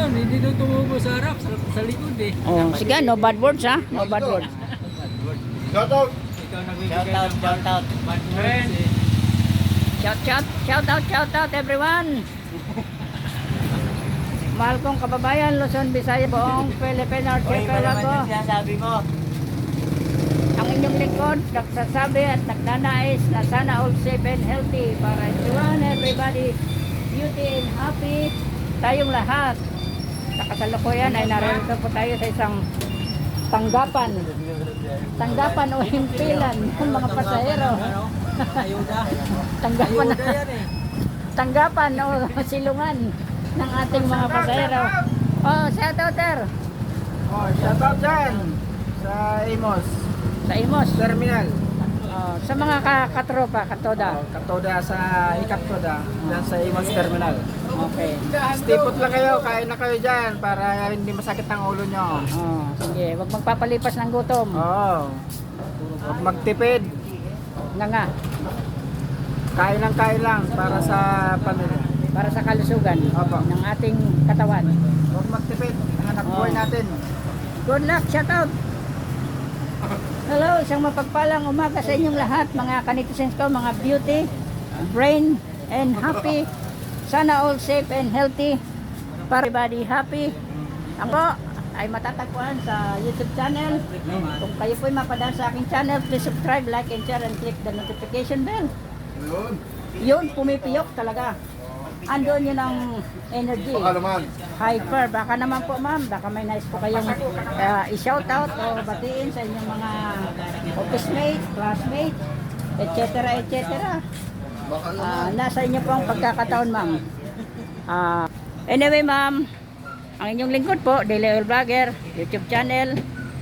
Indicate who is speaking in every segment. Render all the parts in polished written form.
Speaker 1: yun, hindi daw tumubo sa harap, sa likod eh.
Speaker 2: Oh, sige, no bad words ha. No bad words.
Speaker 3: Shout out.
Speaker 1: Ikaw nagbibigay ng bad words eh.
Speaker 2: Shout out everyone. Mahal kong kababayan, Luzon, Visayas, buong Philippine Archipelago ko.
Speaker 4: Sinasabi mo.
Speaker 2: Ang inyong lingkod, nagsasabi at nagnanais na sana all safe and healthy para everybody, beauty and happy tayong lahat. Sa kasalukuyan ay narito po tayo sa isang tanggapan o himpilan ng mga pasahero. Tanggapan o silungan ng ating mga pasahero. Oh, shout out there.
Speaker 4: Oh, shout out dyan sa Imos
Speaker 2: Sa Imos.
Speaker 4: Terminal.
Speaker 2: Oh, sa mga katropa, katoda.
Speaker 4: Oh, Katoda sa Ikatoda, dyan sa Imos Terminal.
Speaker 2: Okay.
Speaker 4: Stay put lang kayo, kain na kayo dyan para hindi masakit ang ulo nyo.
Speaker 2: Oh, sige, wag magpapalipas ng gutom.
Speaker 4: Oo. Huwag magtipid.
Speaker 2: Nga.
Speaker 4: Kain lang para sa pamilya.
Speaker 2: Para sa kalusugan
Speaker 4: Opo.
Speaker 2: ng ating katawan.
Speaker 4: Huwag magtipid. Ang anak buhay natin.
Speaker 2: Good luck, shout out. Hello, isang mapagpalang umaga sa inyong lahat, mga kanitizens ko, mga beauty, brain, and happy. Sana all safe and healthy. Para everybody happy. Ako ay matatagpuan sa YouTube channel. Kung kayo po'y mapadaan sa aking channel, please subscribe, like, and share, and click the notification bell. Yun, pumipiyok talaga. Andun yun ang energy.
Speaker 3: Baka naman.
Speaker 2: Hyper. Baka naman po ma'am, baka may nice po kayong i-shout out o batiin sa inyong mga office mate, classmate, etc. etc.
Speaker 3: Baka naman.
Speaker 2: Nasa inyo po ang pagkakataon ma'am. Anyway ma'am, ang inyong lingkod po, Daily Oil Vlogger, YouTube channel.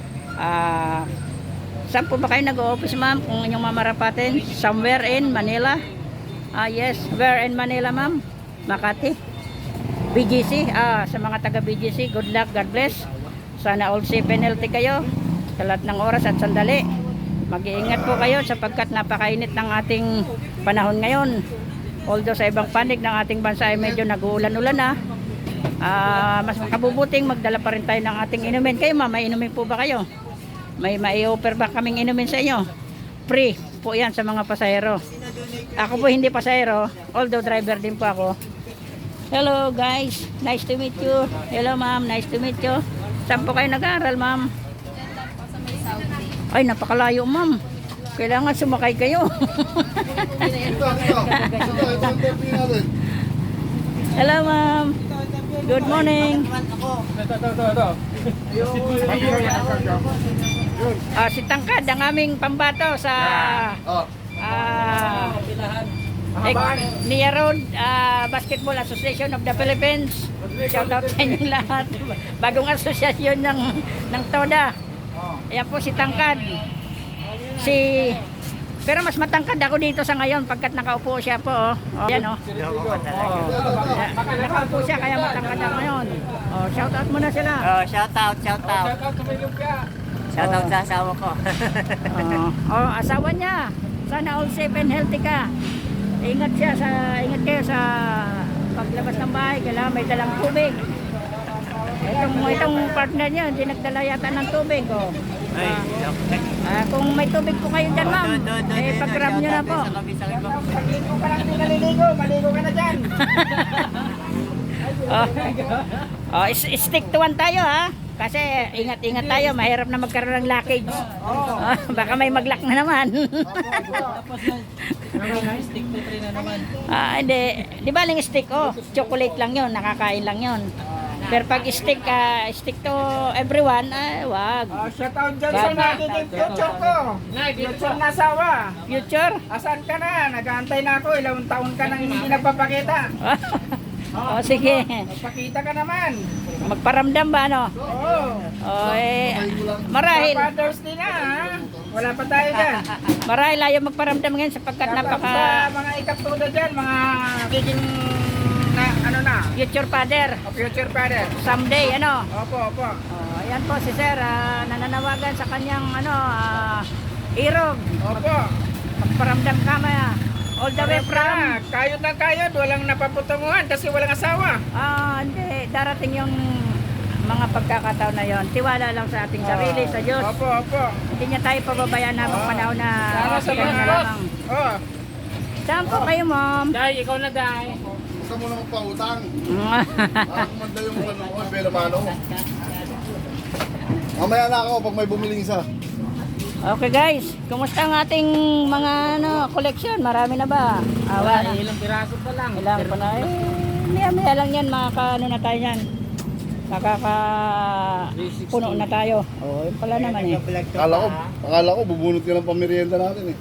Speaker 2: Saan po ba kayo nag-o-office ma'am? Kung inyong mamarapatin, somewhere in Manila. Yes, where in Manila ma'am? Makati. BGC, sa mga taga BGC, good luck, God bless. Sana all safe and healthy kayo sa lahat ng oras at sandali. Mag-iingat po kayo sapagkat napakainit ng ating panahon ngayon. Although sa ibang panig ng ating bansa ay medyo nag-uulan-ulan na, mas makabubuting magdala pa rin tayo ng ating inumin. Kayo ma'am, may inumin po ba kayo? May mai-offer ba kaming inumin sa inyo? Free po yan sa mga pasahero. Ako po hindi pasahero, although driver din po ako. Hello guys, nice to meet you. Hello ma'am, nice to meet you. Saan po kayo nag-aaral ma'am? Ay, napakalayo ma'am. Kailangan sumakay kayo.
Speaker 3: Ito ang terminal natin.
Speaker 2: Hello ma'am. Good morning. Si Tangkad, ang aming pambato sa Nia Road Basketball Association of the Philippines. Shout out sa inyo lahat. Bagong asosyasyon ng TODA. Ayan po si Tangkad. Pero mas matangkad ako dito sa ngayon pagkat nakaupo siya po. Ayan nakaupo siya kaya matangkad ako ngayon. Shout out muna sila.
Speaker 4: Shout out. Shout out sa asawa ko.
Speaker 2: Asawa niya. Sana all safe and healthy ka. Ingat kayo sa paglabas ng bahay. Kailangan may dalang tubig. Itong partner niya, hindi nagdala yata ng tubig. Kung may tubig po kayo dyan, ma'am, pag-grab nyo na po.
Speaker 4: Pag-ligo ka lang din naliligo, maligo ka na dyan.
Speaker 2: Stick to one tayo ha. Kasi ingat-ingat tayo, mahirap na magkaroon ng blockage. Baka may mag-lock na naman.
Speaker 1: Stick to 3 na naman.
Speaker 2: Hindi. Di ba lang stick? Chocolate lang yon, nakakain lang yon. Pero pag stick to everyone, wag.
Speaker 4: Shout out dyan sa nagiging future ko. Future na asawa.
Speaker 2: Future?
Speaker 4: Asan ka na? Nag-aantay na ako. Ilang taon ka nang hindi nagpapakita.
Speaker 2: Sige.
Speaker 4: Magpakita ka naman.
Speaker 2: Magparamdam ba ano?
Speaker 4: Oo.
Speaker 2: Marahil.
Speaker 4: Father's Day na ha. Wala pa tayo dyan.
Speaker 2: Marahil ayaw magparamdam ngayon sapagkat napaka...
Speaker 4: Sa mga ikatuda dyan, mga kicking na,
Speaker 2: Future father.
Speaker 4: future father.
Speaker 2: Someday, ano?
Speaker 4: Opo.
Speaker 2: Ayan po si sir, nananawagan sa kanyang irog.
Speaker 4: Opo.
Speaker 2: Magparamdam ka maya. All the way from...
Speaker 4: Kayod ng kayod, walang napaputunguhan kasi walang asawa.
Speaker 2: Hindi. Darating yung mga pagkakataon na yon. Tiwala lang sa ating sarili, sa Diyos.
Speaker 4: Opo, opo.
Speaker 2: Hindi niya tayo pababayaan na panahon na
Speaker 4: Sana sa
Speaker 2: kaya
Speaker 4: mga
Speaker 2: na
Speaker 4: boss.
Speaker 2: lamang.
Speaker 4: Oh.
Speaker 2: Saan po kayo, ma'am?
Speaker 4: Day, ikaw na day.
Speaker 3: Gusto mo na magpautang. Kumanda yung ano ko, pero mano. Mamaya na ako pag may bumiling isa.
Speaker 2: Okay guys, kumusta ang ating mga collection? Marami na ba? Awa na.
Speaker 1: Ilang piraso pa lang.
Speaker 2: Ilang pa na eh. Maya lang yan, makaka na tayo yan. Puno na tayo. Oh, yun pala naman eh.
Speaker 3: Akala ko bubunot ka ng pamerienda natin eh.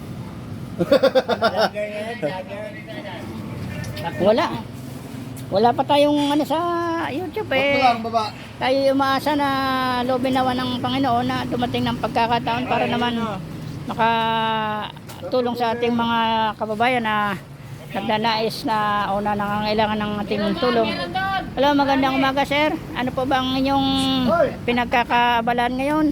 Speaker 2: Wala pa tayong ano sa YouTube
Speaker 3: Ba't
Speaker 2: eh.
Speaker 3: lang baba?
Speaker 2: Tayo umaasa na loobin nawa ng Panginoon na dumating ng pagkakataon para naman makatulong sa ating mga kababayan na nagnanais na o na nangangailangan ng ating tulong. Hello, magandang umaga sir. Ano po ba ang inyong pinagkakabalan ngayon?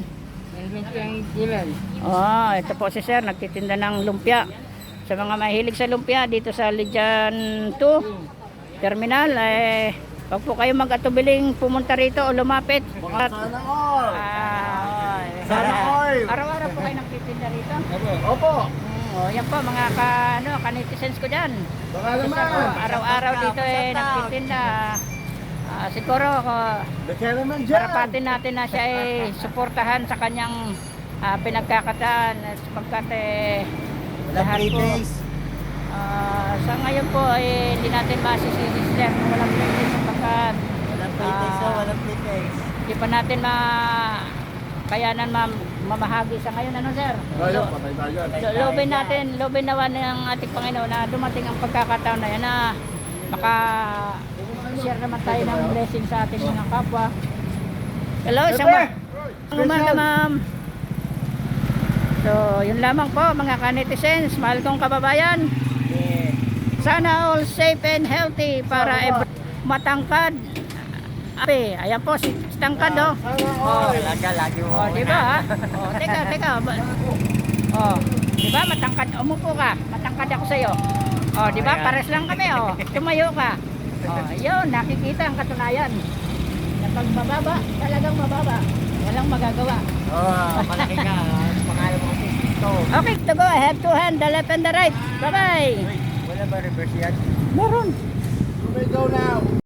Speaker 2: Ito po si sir, nagtitinda ng lumpia. Sa mga mahilig sa lumpia dito sa Lijan 2 Terminal, wag po kayo mag-atubiling pumunta rito o lumapit.
Speaker 3: Sana all! Sana all!
Speaker 2: Araw-araw po kayo nagtitinda rito?
Speaker 3: Opo!
Speaker 2: Yan po mga kanitizens ko dyan.
Speaker 3: Baka naman!
Speaker 2: Araw-araw dito nagtitinda. Siguro
Speaker 3: Baka naman dyan!
Speaker 2: parapatin natin na siya suportahan sa kanyang pinagkakataan sapagkat lahat po. Sa ngayon po hindi natin masisisi sir kung walang pretest sapagkat
Speaker 1: Walang pretest.
Speaker 2: hindi pa natin kayanan mamahagi sa ngayon ano sir?
Speaker 3: Tayo, patay tayo.
Speaker 2: Lobin nawa ng ating Panginoon na dumating ang pagkakataon na yan na share naman tayo ng blessing sa ating mga kapwa. Hello, isang umaga ma'am. So, yun lamang po mga kanitizens, mahal kong kababayan. Sana all safe and healthy para matangkad. Ayan po si tangkad oh.
Speaker 1: Lagi mo.
Speaker 2: Oh, di ba? Oh, teka. Oh, di ba matangkad? Umupo ka. Matangkad ako sa iyo. Oh, di ba? Pares lang kami oh. Tumayo ka. Oh, yun, nakikita ang katunayan. Na pag mababa, talagang mababa. Walang magagawa.
Speaker 1: Malaki ka. Pangalan mo ito.
Speaker 2: Okay, to go. I have two hands, the left and the right. Bye-bye.
Speaker 1: Wala ba reverse yan?
Speaker 2: Meron.
Speaker 3: You may go now!